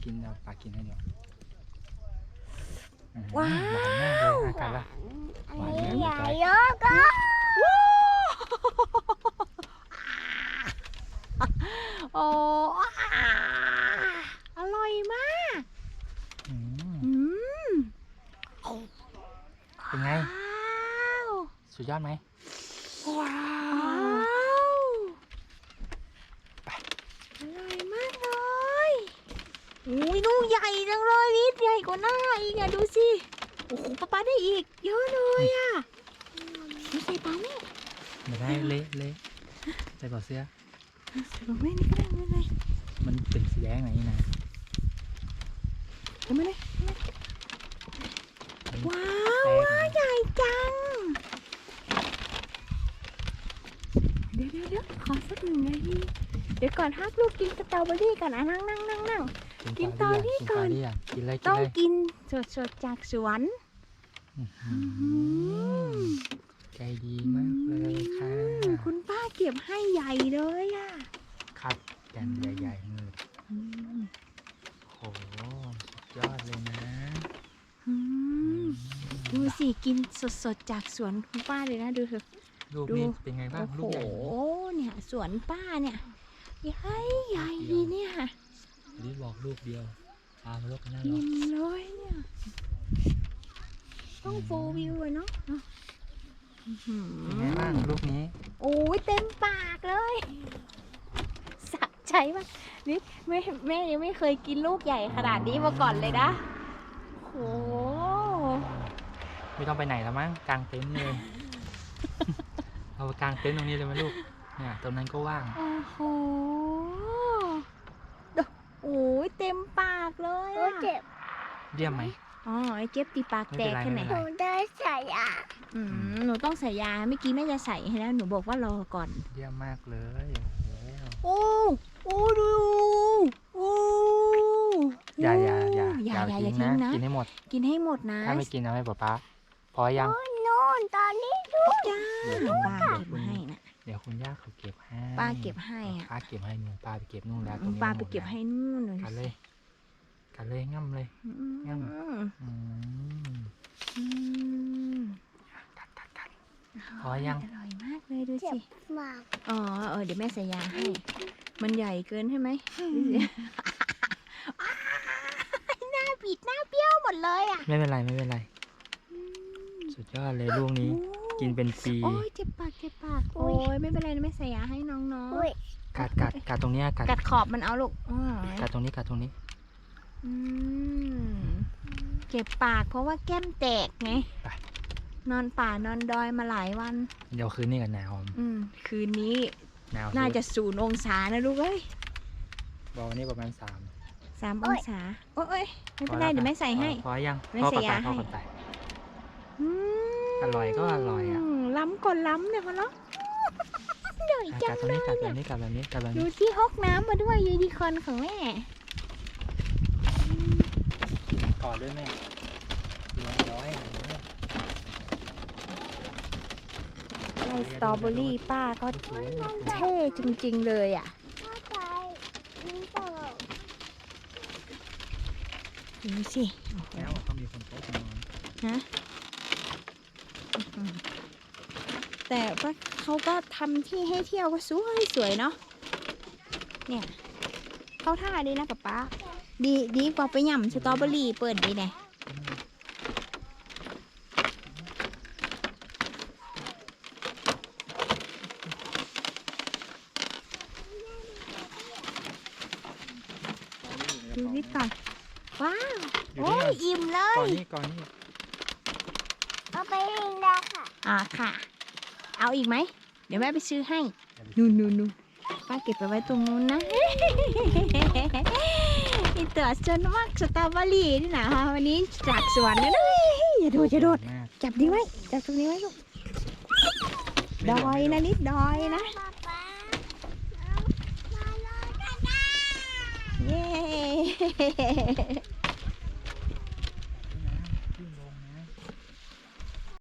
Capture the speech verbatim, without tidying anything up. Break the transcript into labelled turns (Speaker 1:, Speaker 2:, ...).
Speaker 1: กินเอาปลากินให้เดี๋ยว
Speaker 2: ว้าว
Speaker 1: หวานมากเลยอากาศละหวาน
Speaker 3: อัน
Speaker 1: มาก
Speaker 3: นี้
Speaker 1: เล
Speaker 3: ให
Speaker 1: ย
Speaker 3: ญ่
Speaker 1: ไกล
Speaker 3: เยอะก็
Speaker 2: โอ้อร่อยมาก
Speaker 1: อืม
Speaker 2: อืม
Speaker 1: เป็นไง
Speaker 2: ว้าว
Speaker 1: สุดยอดไหม
Speaker 2: ว้าวอร่อยมากเลยอุ้ยลูกใหญ่จังเลยนิดใหญ่กว่าหน้าอีกอะดูสิโอ้โหป๊าป๊าได้อีกเยอะเลยอะไม่ใส่ป๊าแม่
Speaker 1: ไม่ได้เละเละใส่เปล่าเสื้อ
Speaker 2: ใส่ป๊าแม่นี่ก็ได้ไม่เป็นไร
Speaker 1: มันเป็นสีแดงไหนนี่นะ
Speaker 2: ทำไมเลยว้าว
Speaker 1: แตก
Speaker 2: ใหญ่จังเดี๋ยวเดี๋ยวเดี๋ยวขอสักหนึ่งนาทีเดี๋ยวก่อนฮักลูกกินสตรอเบอรี่ก่อนนะนั่งนั่งนั่งนั่ง กินตอนนี้ก่อน
Speaker 1: กินเลยกินเลย
Speaker 2: ต้อง
Speaker 1: กินเลย
Speaker 2: กินสดๆจากสวน
Speaker 1: อื้อหือใจดีมากเลยค่ะ
Speaker 2: คุณป้าเก็บให้ใหญ่เลยอ่ะ
Speaker 1: คัดกันใหญ่ๆเลยโอ้โหสุดยอดเลยนะ
Speaker 2: อืมดูสิกินสดๆจากสวนคุณป้าเลยนะดูเถอะ
Speaker 1: ลูก
Speaker 2: ดู
Speaker 1: นี่เป็นไงบ้าง
Speaker 2: โอ้
Speaker 1: ลูก
Speaker 2: โห
Speaker 1: ใหญ่ไหม
Speaker 2: เนี่ยสวนป้าเนี่ยใหญ่ใหญ่เนี่ย
Speaker 1: รีบบอกลูกเดียวพามาลูกกันหน้า
Speaker 2: กิ
Speaker 1: เนาะ
Speaker 2: นเลยเนี่ยต้องโฟร์วิวเลยเนาะอื้อหือ
Speaker 1: เป็นไงบ้างลูกนี้
Speaker 2: โอ้ยเต็มปากเลยสะใจมากนี่แม่แม่ยังไม่เคยกินลูกใหญ่ขนาดนี้มาก่อนเลยนะโอ้โห
Speaker 1: ไม่ต้องไปไหนแล้วมั้งกางเต็นท์เลย เอากางเต็นท์ตรงนี้เลยไหมลูกเนี่ยตรงนั้นก็ว่าง
Speaker 2: โอ้โหดูโอ้ยเต็มปากเลย
Speaker 3: โอ้
Speaker 2: อะ
Speaker 3: เจ็บ
Speaker 1: เยี่ยมไหม
Speaker 2: อ๋อไอ้เจ็บตีปากแตก
Speaker 1: ไม่
Speaker 2: แค่
Speaker 1: เป็น
Speaker 2: ไห
Speaker 1: ไร
Speaker 2: น
Speaker 3: หนูได้ใส่อ่ะ
Speaker 2: อืมหนูต้องใส่ยาเมื่อกี้แม่จะใส่ให้แล้วหนูบอกว่ารอก่อน
Speaker 1: เยี่ยมมากเลยโอ้โห
Speaker 2: โอ้โอ้ดูโอ้
Speaker 1: อย่าอย่าอย่า
Speaker 2: อย่าอย่าอย่า
Speaker 1: ทิ้
Speaker 2: ทิ้
Speaker 1: ง
Speaker 2: ง
Speaker 1: นะ
Speaker 2: นะ
Speaker 1: กินให้หมด
Speaker 2: กินให้หมดนะ
Speaker 1: ถ้าไม่กินเอาให้ป๊าป๊าพอยัง
Speaker 3: โน่นตอนนี้
Speaker 2: จ้า
Speaker 1: เดี๋ยว
Speaker 2: ป้า
Speaker 1: เดี๋ยว
Speaker 2: เก็บ
Speaker 1: คุณ
Speaker 2: มาให้นะ
Speaker 1: เดี๋ยวคุณย่าเขาเก็บให้
Speaker 2: ป้าเก็บให้อะ
Speaker 1: ป้าเก็บให้หนูป้าไปเก็บนู่นแล้วตรงนี้
Speaker 2: ป้าไปเก็บให้นู่นเลย
Speaker 1: กันเลยกันเลยง่ำเลย
Speaker 2: อืม
Speaker 1: งั้น อืม
Speaker 2: อืม
Speaker 1: กัดกัดกัด พอยัง
Speaker 2: อร่อยมากเลยดู
Speaker 3: เจ็บ
Speaker 2: สิ
Speaker 3: มาก
Speaker 2: อ๋อเออเดี๋ยวแม่ใส่ยาให้ มันใหญ่เกินใช่ไหมดูสิอ้ายหน้าบิดหน้าเบี้ยวหมดเลยอ่ะ
Speaker 1: ไม่เป็นไรไม่เป็นไร สุดยอดเลยลูกนี้ กินเป็นปี
Speaker 2: โอ้ยเจ็บปากเจ็บปากโอ้ยไม่เป็นไรนะแม่ใส่ยาให้น้อง
Speaker 3: อุ้ย
Speaker 1: กัดกัดกัดตรงเนี้ยกัด
Speaker 2: ๆกัดขอบมันเอาลูกอ๋อ
Speaker 1: กัดตรงนี้กัดตรงนี้
Speaker 2: อืมเจ็บปากเพราะว่าแก้มแตกไง
Speaker 1: ไป
Speaker 2: นอนป่านอนดอยมาหลายวัน
Speaker 1: เดี๋ยวคืนนี้กันหนาว
Speaker 2: อืมคืนนี้
Speaker 1: หนาว
Speaker 2: น่าจะศูนย์องศานะลูกเอ้ย
Speaker 1: บอกวันนี้ประมาณสาม
Speaker 2: สามองศาโอ้ยไม่เป็นไรเดี๋ยวแม่ใส่ให้
Speaker 1: พอยัง
Speaker 2: ไม่
Speaker 1: พอ
Speaker 2: ใส่
Speaker 1: ปัด
Speaker 2: ยา
Speaker 1: ไปพอ
Speaker 2: ให้
Speaker 1: ปัดไป
Speaker 2: อืม
Speaker 1: อร่อยก็อร่อยอ่ะ
Speaker 2: ล้ำก่อนล้ำเนี่ยพอเนาะใหญ่จั
Speaker 1: กั
Speaker 2: ง
Speaker 1: ดตรง
Speaker 2: เล
Speaker 1: นี้
Speaker 2: ย
Speaker 1: กัดแบ
Speaker 2: เนี่ย
Speaker 1: บนี้กัดแบบนี้กัดแบบ
Speaker 2: ดู
Speaker 1: นี้
Speaker 2: ที่ฮอกน้ำมาด้วยยูนิคอร์นของแม่
Speaker 1: กอดด้วยแม่เรียบร้อย
Speaker 2: ไล่สตรอเบอรี่ป้าก็เท่จริงๆเลยอ่ะ
Speaker 3: เข้าใจนี่เปล่า
Speaker 2: ดูสิ
Speaker 1: แล้วเขามีคนโต๊ะนอน
Speaker 2: นะแต่ว่าเขาก็ทำที่ให้เที่ยวก็สวยสวยเนาะเนี่ยเข้าท่าดีนะป๊าป๊าดีดีกว่าไปหย่ำสตรอเบอรี่เปิดดีแน่ดูนิดก่อนว้าวโอ้ยอิ่มเล
Speaker 1: ก่อย นนี้ก่อนนี้
Speaker 3: เอาไปเองได้ค่ะ
Speaker 2: อ่าค่ะ เอาอีกไหม เดี๋ยวแม่ไปซื้อให้ นู่นนู่นนู่นป้าเก็บไปไว้ตรงนู้นนะ นี่ตัวจนมากสตรอเบอรี่นี่นะคะวันนี้จากสวนนะเฮ้ยอย่าโดดอย่าโดด
Speaker 1: มาก
Speaker 2: จับดีไว้ จับตรงนี้ไว้ลูก ดอยนะนิดดอยนะ
Speaker 3: ป๊าป๊าเอามาเลยจ้า
Speaker 2: เย้